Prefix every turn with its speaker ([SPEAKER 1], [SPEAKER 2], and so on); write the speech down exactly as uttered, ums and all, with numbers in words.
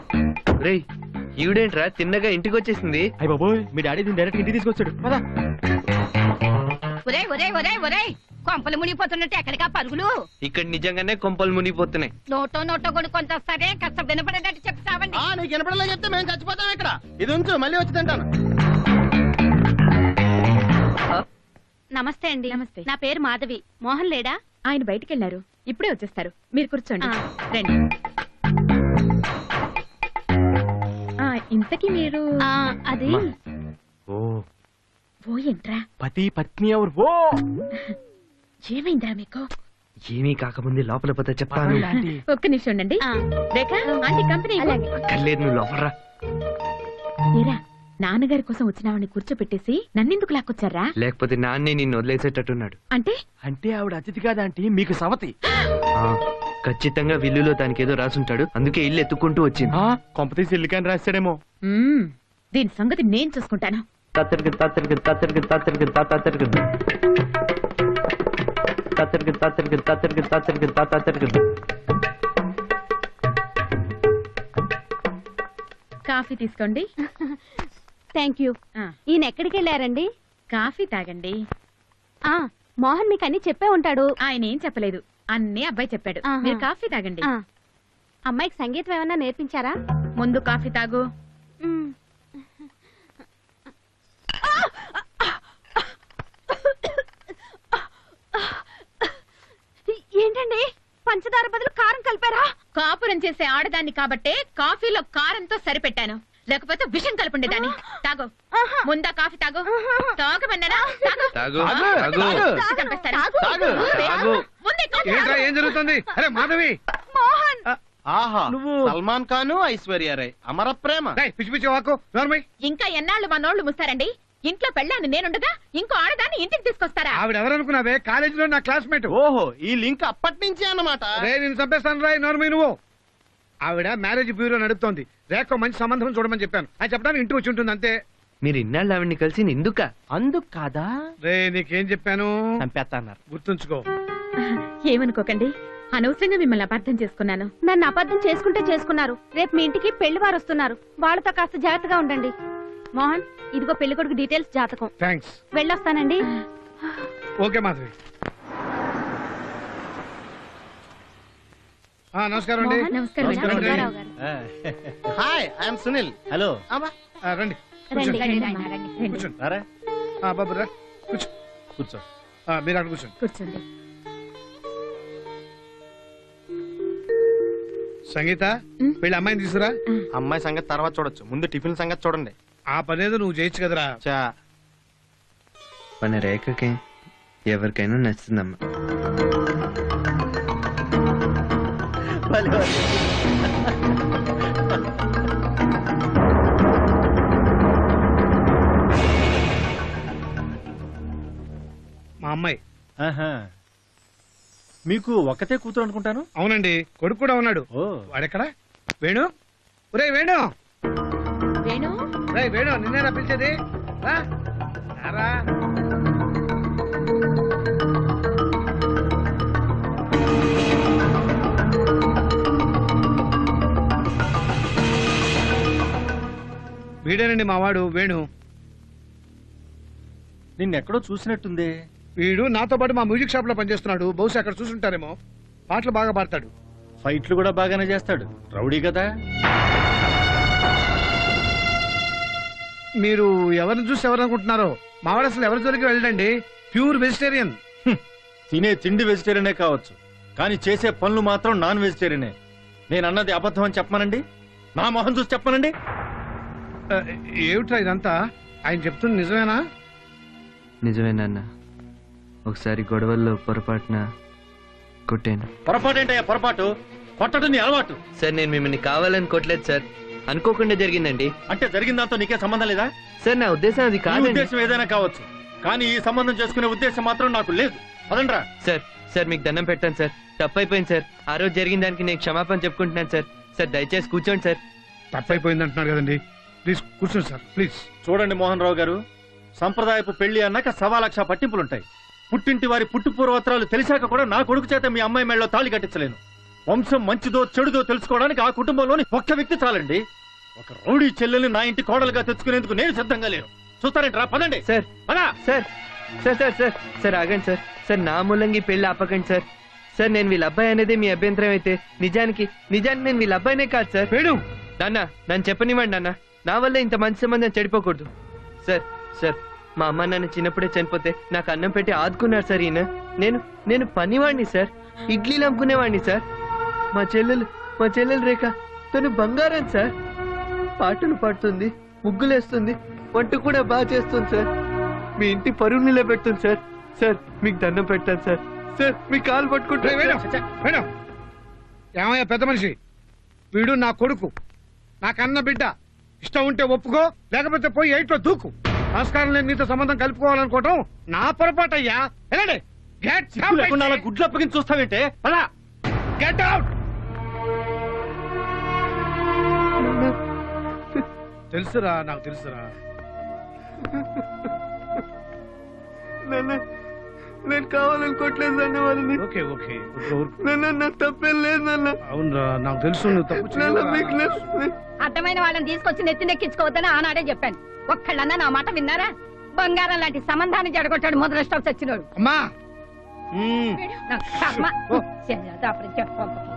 [SPEAKER 1] రేయ్ ఈవిడేంట్రా తిన్నగా ఇంటికి వచ్చేసింది?
[SPEAKER 2] అయ్య బాబోయ్, మీ డాడీ దీన్ని డైరెక్ట్ ఇంటికి తీసుకొచ్చాడు. పదా.
[SPEAKER 3] ఒరే ఒరే ఒరే ఒరే కొంపలు మునిగిపోతున్నట్టు ఎక్కడికా పరుగులు?
[SPEAKER 1] ఇక్కడ నిజంగానే కొంపలు మునిగిపోతున్నాయి.
[SPEAKER 3] నోటో నోటో కొనుక్కొని వస్తారే, కాస్త వినపడేటట్టు చెప్తావండి.
[SPEAKER 4] నీకు వినపడలే చెప్తే మేము చచ్చిపోతాం ఇక్కడ. ఇది ఉంచు, మళ్ళీ వచ్చి తింటాను.
[SPEAKER 3] నమస్తే అండి.
[SPEAKER 5] నమస్తే.
[SPEAKER 3] నా పేరు మాధవి. మోహన్ లేడా?
[SPEAKER 5] ఆయన బయటికి వెళ్లారు, ఇప్పుడే వచ్చేస్తారు. మీరు కూర్చోండి. రండి. ఆ, ఇంతకీ మీరు
[SPEAKER 3] ఆ, అది
[SPEAKER 2] ఓ
[SPEAKER 5] ఓ ఏంట్రా,
[SPEAKER 2] పతి పత్ని ఎవరు? ఓ
[SPEAKER 5] ఏమైందిరా మీకు?
[SPEAKER 1] ఏమీ కాకముందే లోపల పోతే చెప్తాను.
[SPEAKER 5] ఒక్క నిమిషం ఉండండి.
[SPEAKER 3] ఆ.
[SPEAKER 5] రేఖ, ఆంటీ కంపెనీ ఇవ్వు.
[SPEAKER 1] అక్కర్లేదు, నువ్వు లోపలరా.
[SPEAKER 5] ఏరా, నాన్నగారి కోసం వచ్చినావని కూర్చోపెట్టేసి నన్నెందుకు లాక్కొచ్చారా?
[SPEAKER 1] లేకపోతే నాన్నే నిన్ను వదిలేసేటట్టున్నాడు.
[SPEAKER 5] అంటే
[SPEAKER 2] అంటే ఆవిడ అతిథి కాదంటీ, మీకు సవతి.
[SPEAKER 1] ఆ, ఖచ్చితంగా విల్లులో దానికి ఏదో రాసుంటాడు, అందుకే ఇల్లు ఎత్తుకుంటూ వచ్చింది.
[SPEAKER 2] కొంపతీసి ఇల్లుకాని రాశాడేమో.
[SPEAKER 5] మ్మ్, దీని సంగతి నేను చూసుకుంటాను.
[SPEAKER 1] తాతరికి తాతరికి తాతరికి తాతరికి తాతరికి తాతరికి తాతరికి తాతరికి తాతరికి తాతరికి.
[SPEAKER 5] కాఫీ తీసుకోండి.
[SPEAKER 3] Thank you.
[SPEAKER 5] ఆ,
[SPEAKER 3] ఈయన ఎక్కడికి వెళ్ళారండి?
[SPEAKER 5] కాఫీ తాగండి.
[SPEAKER 3] ఆ మోహన్ మీకు అన్ని చెప్పే ఉంటాడు.
[SPEAKER 5] ఆయన ఏం చెప్పలేదు, అన్నీ అబ్బాయి చెప్పాడు.
[SPEAKER 3] ఆహా.
[SPEAKER 5] మీరు కాఫీ తాగండి.
[SPEAKER 3] ఆ, అమ్మాయికి సంగీతం ఏమన్నా నేర్పించారా?
[SPEAKER 5] ముందు కాఫీ తాగు.
[SPEAKER 3] మ్. ఏంటండి, పంచదార బదులు కారం కలిపారా?
[SPEAKER 5] కాపురం చేసే ఆడదాన్ని కాబట్టే కాఫీలో కారంతో సరిపెట్టాను, లేకపోతే విషం కలుపుండేదాన్ని. తాగు, ముందా కాఫీ తాగు. తాగమన్నానా? తాగు.
[SPEAKER 1] తాగు
[SPEAKER 2] తాగు.
[SPEAKER 1] తాగు.
[SPEAKER 5] చూసి చంపేస్తాను.
[SPEAKER 4] తాగు.
[SPEAKER 1] తాగు.
[SPEAKER 5] ముందే కాఫీ
[SPEAKER 6] ఏంట్రా
[SPEAKER 5] తాగు.
[SPEAKER 6] ఏం జరుగుతుంది? అరే మాధవి,
[SPEAKER 3] మోహన్
[SPEAKER 4] ఆహా,
[SPEAKER 2] నువ్వు
[SPEAKER 4] సల్మాన్ ఖాన్ ఐశ్వర్య రాయ్ అమర ప్రేమ.
[SPEAKER 6] రేయ్, పిచ్చి పిచ్చి వాకు నోర్మై.
[SPEAKER 5] ఇంకా ఎన్నాళ్ళు మా నోళ్లు ముస్తారండి? ఇంట్లో పెళ్ళాను నేనుండగా ఇంకో ఆడదాన్ని ఇంటికి తీసుకొస్తారా?
[SPEAKER 6] ఆవిడ ఎవరనుకున్నావే? కాలేజీలో నా క్లాస్మేట్.
[SPEAKER 4] ఓహో, ఈ లింక్ అప్పటి నుంచే అన్నమాట.
[SPEAKER 6] రే నేను చంపేస్తాను రాయ్ నోర్మై నువ్వు. ఆవిడ మ్యారేజ్ బ్యూరో నడుపుతోంది. రేఖ మంచి సంబంధం చూడమని చెప్పాను, అని చెప్పడానికి ఇంటికి వచ్చి ఉంటుంది అంతే.
[SPEAKER 1] మీరు ఇన్నాళ్ళు ఆవిడ్ని కలిసి ఎందుక?
[SPEAKER 2] అందుకు కాదా
[SPEAKER 6] రే నీకేం చెప్పాను
[SPEAKER 2] చంపేస్తా అన్నారు.
[SPEAKER 6] గుర్తుంచుకో.
[SPEAKER 5] ఏమనుకోకండి, అనవసరంగా మిమ్మల్ని అపార్థం చేసుకున్నాను.
[SPEAKER 3] నన్ను అబద్ధం చేసుకుంటే చేసుకున్నారు. రేపు మీ ఇంటికి పెళ్లి వారు వస్తున్నారు, వాళ్ళతో కాస్త జాగ్రత్తగా ఉండండి. మోహన్, ఇదిగో పెళ్లి కొడుకు డీటెయిల్స్, జాతకం.
[SPEAKER 6] థ్యాంక్స్.
[SPEAKER 3] వెళ్ళొస్తానండి.
[SPEAKER 6] ఓకే మాధవి. ఆ, నమస్కారం అండి.
[SPEAKER 5] మోహన్, నమస్కారం అండి.
[SPEAKER 6] నమస్కారం అండి.
[SPEAKER 3] Rangarao garu.
[SPEAKER 4] Hi, I'm Sunil.
[SPEAKER 2] Hello.
[SPEAKER 4] అబ్బా,
[SPEAKER 6] ఆ, రండి
[SPEAKER 3] రండి,
[SPEAKER 6] కూర్చోండి.
[SPEAKER 3] రండి, నాయనా, రండి.
[SPEAKER 6] కూర్చోండి.
[SPEAKER 2] రారా,
[SPEAKER 6] ఆ, బాబు రా కూర్చో.
[SPEAKER 2] కూర్చో.
[SPEAKER 6] ఆ, మీరు అక్కడ కూర్చోండి.
[SPEAKER 5] కూర్చోండి.
[SPEAKER 6] సంగీత, వీళ్ళ అమ్మాయిని తీసుకురా.
[SPEAKER 4] అమ్మాయి సంగతి తర్వాత చూడొచ్చు, ముందు టిఫిన్ సంగతి చూడండి.
[SPEAKER 6] ఆ పనేదో నువ్వు చేయొచ్చు కదరా.
[SPEAKER 4] చా
[SPEAKER 1] మన రేఖకి ఎవరికైనా నచ్చుతుందమ్మా.
[SPEAKER 6] మా అమ్మాయి.
[SPEAKER 2] ఆహా. మీకు ఒక్కతే కూతురు అనుకుంటాను.
[SPEAKER 6] అవునండి, కొడుకు కూడా ఉన్నాడు.
[SPEAKER 2] ఓ
[SPEAKER 6] వాడెక్కడ? వేణు, ఒరే వేణు.
[SPEAKER 5] వేణు,
[SPEAKER 6] రే వేణు, నిన్నేనా పిలిచేది? రా. రారా. వీడేనండి మా వాడు వేణు.
[SPEAKER 2] నిన్నెక్కడో చూసినట్టుంది.
[SPEAKER 6] వీడు నాతో పాటు మా మ్యూజిక్ షాప్ లో పనిచేస్తున్నాడు. బహుశా అక్కడ చూసుంటారేమో. పాటలు బాగా పాడతాడు.
[SPEAKER 2] ఫైట్లు కూడా బాగానే చేస్తాడు. రౌడీ కదా.
[SPEAKER 6] మీరు ఎవరిని చూసి ఎవరనుకుంటున్నారో? మావాడు అసలు ఎవరి జోలికి వెళ్ళండి. Pure vegetarian.
[SPEAKER 2] తినే తిండి వెజిటేరియనే కావచ్చు, కానీ చేసే పనులు మాత్రం నాన్ వెజిటేరియనే. నేను అన్నది అబద్ధం అని చెప్పమనండి, నా మొహం చూసి చెప్పమనండి.
[SPEAKER 6] ఏమిట్రా ఇదంతా? ఆయన చెప్తుంది నిజమేనా?
[SPEAKER 1] నిజమేనన్నా, ఒకసారి గొడవల్లో పొరపాటున కొట్టాను.
[SPEAKER 2] పొరపాటు ఏంటయ్యా పొరపాటు? కొట్టడం నీ అలవాటు.
[SPEAKER 1] సార్, నేను మిమ్మల్ని కావాలని కొట్టలేదు సార్, అనుకోకుండా జరిగిందండి.
[SPEAKER 2] అంటే జరిగిన దాంతో నీకే సంబంధం లేదా?
[SPEAKER 1] సార్, నా ఉద్దేశం అది
[SPEAKER 2] నీ
[SPEAKER 1] కాదండి.
[SPEAKER 2] ఉద్దేశం ఏదైనా కావచ్చు, కానీ ఈ సంబంధం చేసుకునే ఉద్దేశం మాత్రం నాకు లేదు. అదండ్రా.
[SPEAKER 1] సార్ సార్ మీకు దండం పెట్టాను సార్, తప్పైపోయింది సార్. ఆ రోజు జరిగిన దానికి నేను క్షమాపణ చెప్పుకుంటున్నాను సార్. సార్ దయచేసి కూర్చోండి సార్.
[SPEAKER 6] తప్పైపోయింది అంటున్నారు కదండి, ప్లీజ్ కూర్చోండి సార్, ప్లీజ్.
[SPEAKER 2] చూడండి మోహన్ రావు గారు, సంప్రదాయపు పెళ్లి అన్నాక సవా లక్ష పట్టింపులుంటాయి. పుట్టింటి వారి పుట్టు పూర్వోత్తరాలు తెలిసాక కూడా నా కొడుకు చేత మీ అమ్మాయి మెళ్ళలో తాళి కట్టించలేను. వంశం మంచిదో చెడుదో తెలుసుకోవడానికి ఆ కుటుంబంలోని ఒక్క వ్యక్తి చాలండి. ఒక రౌడీ చెల్లెల్ని నా ఇంటి కోడలుగా తెచ్చుకునేందుకు నేను సిద్ధంగా లేను. చూస్తారేంట్రా? పదండి
[SPEAKER 1] సార్
[SPEAKER 2] పదా.
[SPEAKER 1] Sir sir sir sir sir ఆగండి సార్. సార్ నా మూలంగా ఈ పెళ్లి ఆపకండి సార్. సార్ నేను వీళ్ళ అబ్బాయి అనేది మీ అభ్యంతరం అయితే నిజానికి నిజానికి నేను వీళ్ళ అబ్బాయినే కాదు సార్.
[SPEAKER 6] వేణు
[SPEAKER 1] నాన్న నన్ను చెప్పనివ్వండి నాన్న. నా వల్ల ఇంత మంచి సంబంధం చెడిపోకూడదు సార్. సార్ మా అమ్మ నాన్న చిన్నప్పుడే చనిపోతే నాకు అన్నం పెట్టి ఆదుకున్నారు సార్ ఈయన. నేను నేను పనివాడిని సార్. ఇడ్లీలు అమ్ముకునేవాడిని సార్. మా చెల్లెలు మా చెల్లెలు రేఖ తను బంగారం సార్. పాటలు పాడుతుంది, ముగ్గులేస్తుంది, వంట కూడా బాగా చేస్తుంది సార్. మీ ఇంటి పరువు నిలబెడుతుంది సార్. సార్ మీకు దండం పెడతాను సార్. సార్ మీ కాలు పట్టుకుంటా.
[SPEAKER 6] వేణు వేణు ఏమయ్యా పెద్ద మనిషి, వీడు నా కొడుకు, నా కన్న బిడ్డ. ఇష్టం ఉంటే ఒప్పుకో, లేకపోతే పోయి ఎయిట్లో దూకు. సంస్కారం లేని నీతో సంబంధం కలుపుకోవాలనుకోవటం నా పొరపాటు అయ్యా. వెళ్ళండి. గెట్
[SPEAKER 2] లేకుండా అలా గుడ్లు అప్పగించి చూస్తావేంటే? పదా.
[SPEAKER 6] Get out. తెలుసురా, నాకు తెలుసురా.
[SPEAKER 1] నేను కావాలనుకోవట్లేదు అన్న వాళ్ళని.
[SPEAKER 6] ఓకే ఓకే
[SPEAKER 1] నాకు తప్పేం లేదు నాన్న.
[SPEAKER 6] అవునరా, నాకు తెలుసు నువ్వు తప్పు చేయలేదురా.
[SPEAKER 3] అర్థమైన వాళ్ళని తీసుకొచ్చి నెత్తి నెక్కించుకోవద్దని ఆనాడే చెప్పాను. ఒక్కళ్ళన్నా నా మాట విన్నారా? బంగారం లాంటి సంబంధాన్ని జడగొట్టాడు ముద్రష్టం చచ్చినోడు.
[SPEAKER 6] అమ్మా
[SPEAKER 3] నాకు కర్మ. చెయ్యదా అప్పుడు చెప్పు.